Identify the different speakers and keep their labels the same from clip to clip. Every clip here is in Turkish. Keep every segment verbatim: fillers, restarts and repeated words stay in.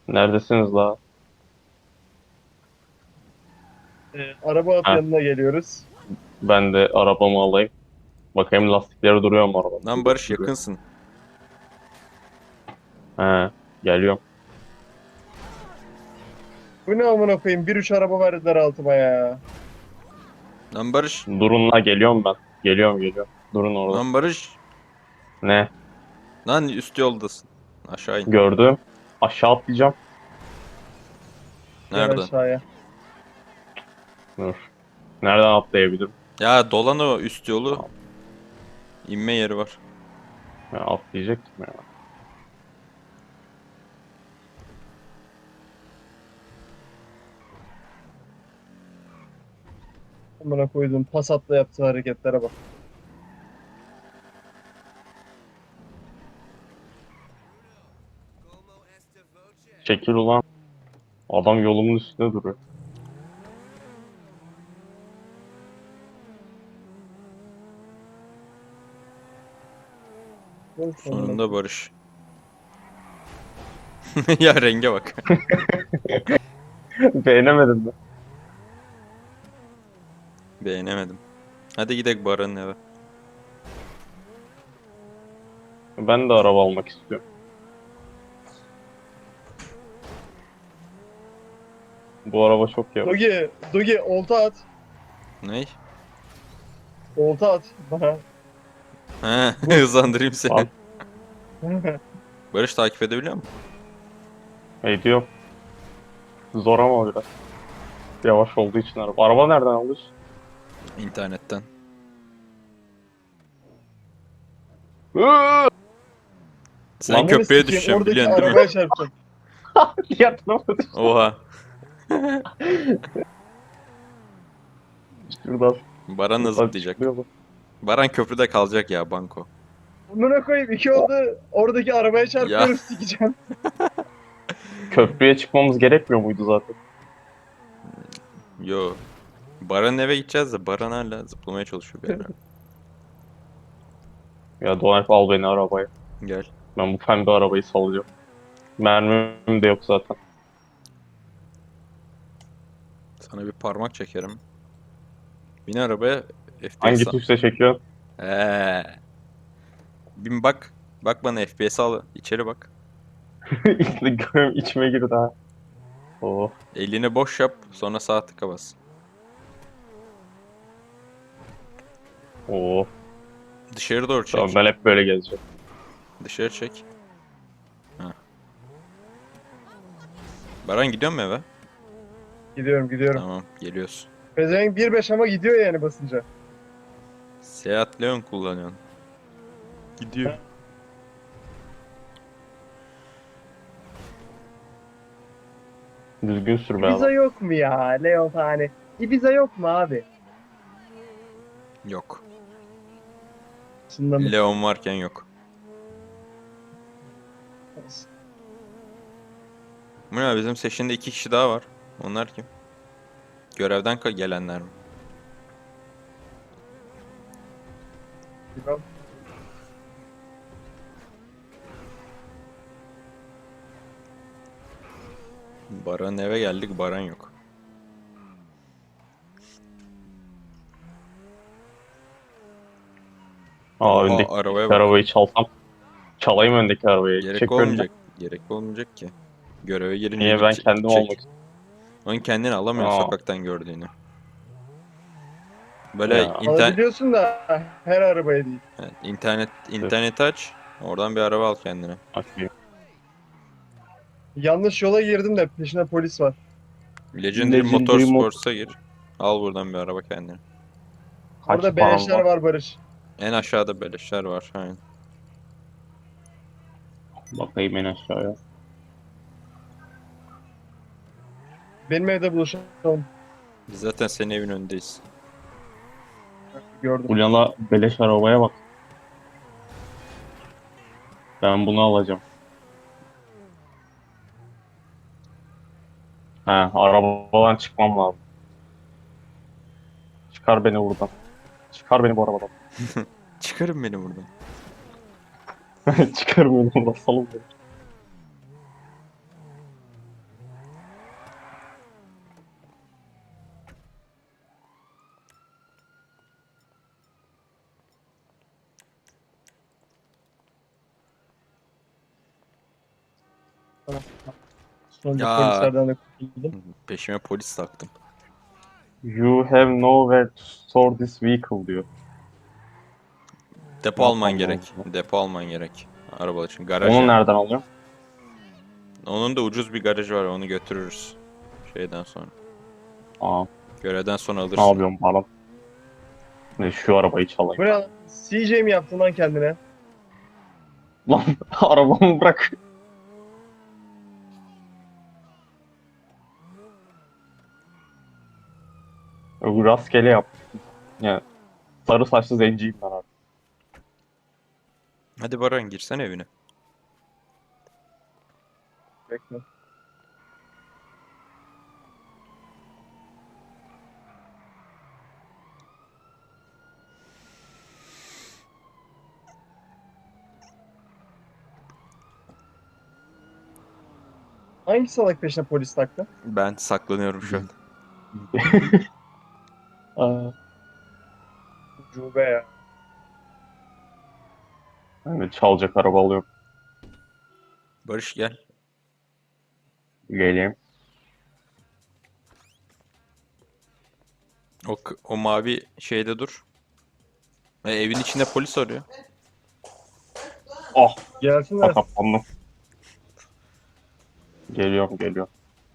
Speaker 1: Neredesiniz la?
Speaker 2: Ee, araba at
Speaker 1: Heh,
Speaker 2: yanına geliyoruz.
Speaker 1: ben de arabamı alayım. Bakayım lastikleri duruyor mu arabada?
Speaker 2: Lan
Speaker 1: Duruyor,
Speaker 2: Barış
Speaker 1: duruyor.
Speaker 2: yakınsın.
Speaker 1: He, geliyorum.
Speaker 2: Bu ne amına koyayım? Bir üç araba verdiler altıma ya.
Speaker 3: Lan Barış.
Speaker 1: Durun la, geliyorum ben. Geliyorum, geliyorum. Durun orada.
Speaker 3: Lan Barış.
Speaker 1: Ne?
Speaker 3: Lan üst yoldasın. Aşağı in.
Speaker 1: Gördüm. Aşağı atlayacağım.
Speaker 2: Gel
Speaker 3: Nereden?
Speaker 2: aşağıya.
Speaker 1: Dur. Nereden atlayabilirim?
Speaker 3: Ya dolan o üst yolu.
Speaker 1: Tamam.
Speaker 3: İnme yeri var.
Speaker 1: Ya, atlayacaktım ya.
Speaker 2: Amına koydum. Passat'la yaptığı hareketlere bak.
Speaker 1: Çekil ulan. Adam yolumun üstünde duruyor.
Speaker 2: Yok amına
Speaker 3: Sonunda
Speaker 2: koyayım.
Speaker 3: Barış. Ya renge bak.
Speaker 1: Beğenemedim mi?
Speaker 3: Beğenemedim. Hadi gidelim Baran'ın eve.
Speaker 1: Ben de araba almak istiyorum. Bu araba çok yavaş.
Speaker 2: Dogi, Dogi olta at.
Speaker 3: Ney?
Speaker 2: Olta at bana.
Speaker 3: He, hızlandırayım seni.
Speaker 1: Al.
Speaker 3: Barış takip edebiliyor musun?
Speaker 1: Ediyor. Zor ama biraz. Yavaş olduğu için araba. Araba nereden alıyorsun?
Speaker 3: İnternetten.
Speaker 1: Iıı!
Speaker 3: Sen
Speaker 1: Lan
Speaker 2: Ananı
Speaker 3: köprüye
Speaker 2: sikeyim
Speaker 3: düşeceksin
Speaker 2: oradaki
Speaker 3: biliyorsun değil mi?
Speaker 2: arabaya çarpacağım.
Speaker 1: Yatma.
Speaker 3: Oha.
Speaker 1: Şuradan,
Speaker 3: Baran da
Speaker 1: şuradan
Speaker 3: zıplayacak.
Speaker 1: çıkıyor bu.
Speaker 3: Baran köprüde kalacak ya banko.
Speaker 2: Amına koyayım iki oldu. Oradaki arabaya
Speaker 3: Ya
Speaker 2: çarpıyorum sikeceğim.
Speaker 1: Köprüye çıkmamız gerekmiyor muydu zaten?
Speaker 3: yo. Baran'ın eve gideceğiz de Baran hala zıplamaya çalışıyor bir yerden.
Speaker 1: Ya Doğan al beni arabaya.
Speaker 3: Gel.
Speaker 1: Ben bu pembe arabayı salacağım. Mermim de yok zaten.
Speaker 3: Sana bir parmak çekerim. Bin arabaya F P S
Speaker 1: Hangi
Speaker 3: al.
Speaker 1: tuşla çekiyorsun?
Speaker 3: Eee. Bin bak. Bak bana F P S al. İçeri bak.
Speaker 1: İşte görüyorum, içime girdi ha. Oh,
Speaker 3: Elini boş yap. Sonra sağ tıka bas.
Speaker 1: oh.
Speaker 3: Dışarı doğru
Speaker 1: Tamam,
Speaker 3: çek.
Speaker 1: ben hep böyle gezeceğim.
Speaker 3: Dışarı çek. Ha. Baran gidiyor mu eve?
Speaker 2: Gidiyorum gidiyorum.
Speaker 3: Tamam geliyoruz.
Speaker 2: Pezevenk bir beş ama gidiyor yani basınca.
Speaker 3: Seat Leon kullanıyorsun. Gidiyor.
Speaker 1: Düzgün sür be
Speaker 2: Ibiza
Speaker 1: adam.
Speaker 2: yok mu ya Leon hani? Ibiza yok mu abi?
Speaker 3: Yok.
Speaker 2: Aslında mı?
Speaker 3: Leon varken yok. Bu ne bizim seçinde iki kişi daha var. Onlar kim? Görevden ka- gelenler mi?
Speaker 2: Bilmem.
Speaker 3: Baran eve geldik, Baran yok.
Speaker 1: Aa,
Speaker 3: Oha
Speaker 1: öndeki
Speaker 3: arabaya bak.
Speaker 1: arabayı çalsam. Çalayım öndeki arabayı.
Speaker 3: Gerek
Speaker 1: Çek önüne.
Speaker 3: olmayacak. Gerek olmayacak ki. Göreve gelince
Speaker 1: Niye, ben
Speaker 3: gidecek.
Speaker 1: kendim almak
Speaker 3: gidecek.
Speaker 1: istiyorum.
Speaker 3: Onun kendini alamıyorsun
Speaker 1: Aa,
Speaker 3: sokaktan gördüğünü. Böyle
Speaker 1: ya.
Speaker 3: inter
Speaker 2: Alabiliyorsun da her arabaya değil.
Speaker 3: evet, internet
Speaker 1: Tüh,
Speaker 3: internet aç. Oradan bir araba al kendine.
Speaker 1: okey.
Speaker 2: Yanlış yola girdim de peşine polis var.
Speaker 3: Legendary
Speaker 1: Legendary mod
Speaker 3: Motorsports'a gir. Al buradan bir araba kendine.
Speaker 1: kaç
Speaker 2: Orada
Speaker 1: param
Speaker 2: beleşler
Speaker 1: var?
Speaker 2: var Barış.
Speaker 3: En aşağıda beleşler var. Aynen.
Speaker 1: Bakayım en aşağıya.
Speaker 2: Benim evde buluşalım.
Speaker 3: Biz zaten senin evin önündeyiz.
Speaker 2: Gördüm.
Speaker 1: Ulyana beleş arabaya bak. Ben bunu alacağım. He, arabadan çıkmam lazım. Çıkar beni buradan. Çıkar beni bu arabadan.
Speaker 3: Çıkarın beni buradan.
Speaker 1: Çıkar beni buradan. Salın beni.
Speaker 2: Sonra
Speaker 3: Ya.
Speaker 2: polislerden de kurtuldum.
Speaker 3: Peşime polis taktım.
Speaker 1: You have nowhere to store this vehicle diyor.
Speaker 3: Depo
Speaker 1: Ne
Speaker 3: alman
Speaker 1: yapmam
Speaker 3: gerek.
Speaker 1: lazım?
Speaker 3: Depo alman gerek. Araba için. Garaj
Speaker 1: Onu
Speaker 3: yani.
Speaker 1: nereden alıyorum?
Speaker 3: Onun da ucuz bir garajı var. Onu götürürüz. Şeyden sonra.
Speaker 1: Aa,
Speaker 3: Görevden sonra
Speaker 1: ne
Speaker 3: alırsın.
Speaker 1: yapıyorum falan. Ne, şu arabayı çalayım.
Speaker 2: Bu ne lan? C J mi yaptın lan kendine?
Speaker 1: Lan arabamı bırak. Yok, rastgele yap. Yani sarı saçlı zenciyim ben artık.
Speaker 3: Hadi Baran girsen evine.
Speaker 2: Bekle. Hangi salak peşine polis taktı?
Speaker 3: Ben saklanıyorum şu an.
Speaker 1: Aa,
Speaker 2: Ucube ya.
Speaker 1: ben de çalacak araba alıyorum.
Speaker 3: Barış gel.
Speaker 1: Geleyim.
Speaker 3: O, k- o mavi şeyde dur. E, evin içinde polis arıyor.
Speaker 1: Oh,
Speaker 2: Gelsinler.
Speaker 1: kapandım. Geliyorum, geliyorum.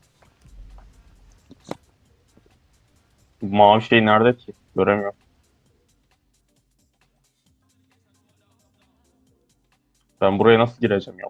Speaker 1: Bu mavi şey nerede ki? Göremiyorum. Ben buraya nasıl gireceğim ya?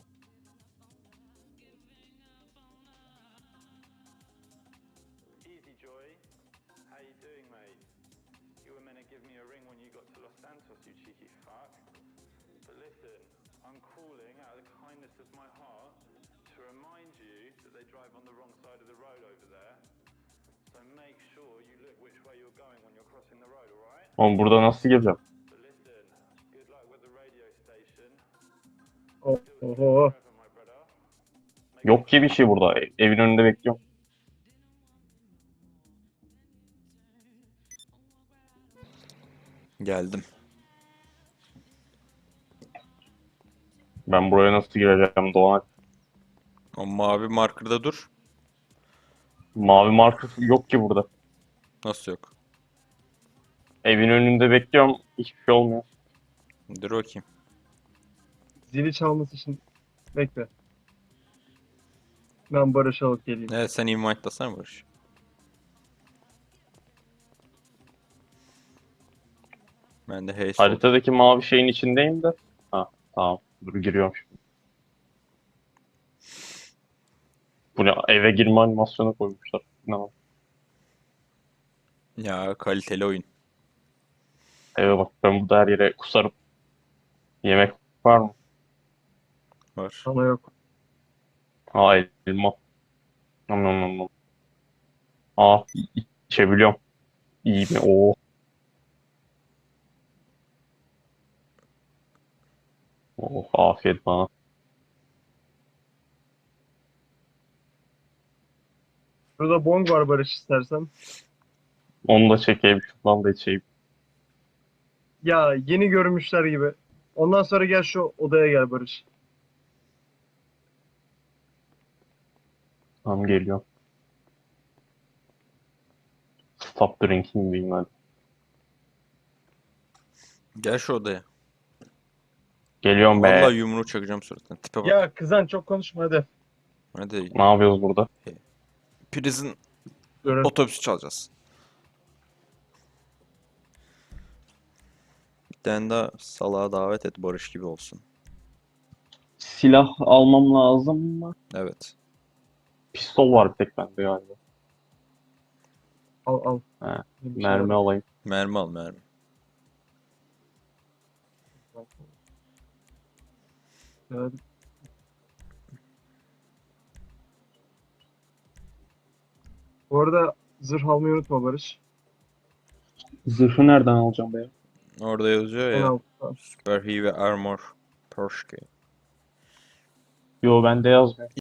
Speaker 4: Easy, Joy. How you doing, mate? You were meant to give me a ring when you got to Los Santos, you cheeky fuck. But listen, I'm calling out of the kindness of my heart to remind you that they drive on the wrong side of the road over there. So make sure you look which way you're going when you're crossing the road, alright?
Speaker 1: Oğlum burada nasıl gireceğim?
Speaker 4: But listen, good luck with the radio station.
Speaker 2: Oh,
Speaker 4: Still
Speaker 2: oho.
Speaker 4: forever, my brother. Make
Speaker 1: Yok ki bir şey burada. E- Evin önünde bekliyorum.
Speaker 3: Geldim.
Speaker 1: Ben buraya nasıl gireceğim Doğan?
Speaker 3: O mavi markerda dur.
Speaker 1: Mavi marka yok ki burada.
Speaker 3: Nasıl yok?
Speaker 1: Evin önünde bekliyorum. Hiçbir şey olmuyor.
Speaker 3: Dur bakayım.
Speaker 2: Zili çalması için bekle. Ben Barış'ı alıp geleyim.
Speaker 3: Evet sen invite'lasana Barış. Ben de hey sol.
Speaker 1: Haritadaki mavi şeyin içindeyim de. Ha, tamam. Dur giriyorum şimdi. Bu ne? Eve girme animasyonu koymuşlar. Ne var?
Speaker 3: Ya kaliteli oyun.
Speaker 1: Eve bak, ben burada her yere kusarım. Yemek var mı?
Speaker 3: Var.
Speaker 2: Sana yok.
Speaker 1: Aa, elma. Nom nom nom nom. Aa, i- içebiliyorum. İyi mi? Oo. Oh, afiyet bana.
Speaker 2: Burada bong var Barış istersen.
Speaker 1: Onu da çekeyim. Şundan da içeyim.
Speaker 2: Ya yeni görmüşler gibi. Ondan sonra gel şu odaya gel Barış.
Speaker 1: Tamam, geliyorum. Stop drinking diyeyim hadi.
Speaker 3: Gel şu odaya.
Speaker 1: Geliyorum be.
Speaker 3: Vallahi yumruğu çakacağım suratına. Tipe bak.
Speaker 2: Ya kızan çok konuşma hadi.
Speaker 3: Hadi.
Speaker 1: Ne yapıyoruz burada?
Speaker 3: Prison
Speaker 2: Görev.
Speaker 3: otobüsü çalacağız. Bir tane daha salağa davet et Barış gibi olsun.
Speaker 1: Silah almam lazım mı?
Speaker 3: Evet.
Speaker 1: Pistol var bir tek bende galiba.
Speaker 2: Al al.
Speaker 1: He,
Speaker 2: Bir şey
Speaker 1: mermi
Speaker 2: var.
Speaker 1: alayım.
Speaker 3: Mermi al mermi.
Speaker 2: Evet. Bu arada zırh almayı unutma Barış.
Speaker 1: Zırhı nereden alacağım be?
Speaker 3: Orada yazıyor
Speaker 2: En
Speaker 3: ya.
Speaker 2: altta.
Speaker 3: Super Heavy Armor Porsche.
Speaker 1: Yo, bende yazmıyor.